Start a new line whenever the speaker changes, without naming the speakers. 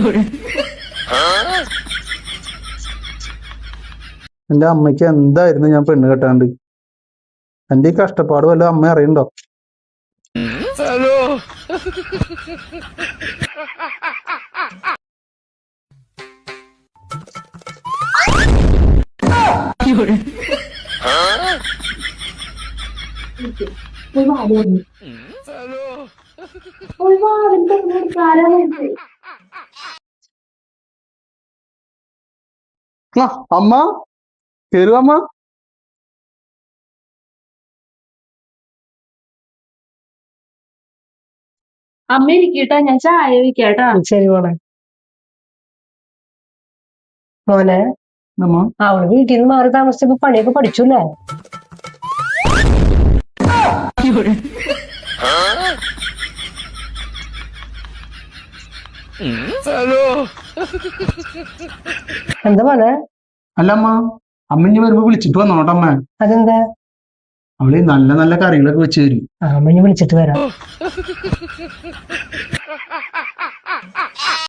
എന്റെ അമ്മയ്ക്ക് എന്തായിരുന്നു ഞാൻ പെണ്ണ് കെട്ടാണ്ട്? എന്റെ ഈ കഷ്ടപ്പാട് വല്ല അമ്മ അറിയണ്ടോ?
ഹലോ
അമ്മ കേറുക അമ്മ.
അമ്മ ഇരിക്കട്ടാ, ഞാൻ ചായ വെക്കാട്ടാ.
ശരി മോളെ. മോനെ, അവള് വീട്ടിൽ നിന്ന് മാറി താമസിച്ചപ്പോ പണിയൊക്കെ പഠിച്ചൂല്ലേ?
ഹലോ
എന്താ മോനെ?
അല്ല അമ്മ, അമ്മ ഇനി വരുമ്പോ വിളിച്ചിട്ട് വന്നോട്ടമ്മ.
അതെന്താ?
അവള് നല്ല നല്ല കറികളൊക്കെ വെച്ച് തരും.
അമ്മ ഇനി വിളിച്ചിട്ട് വരാം.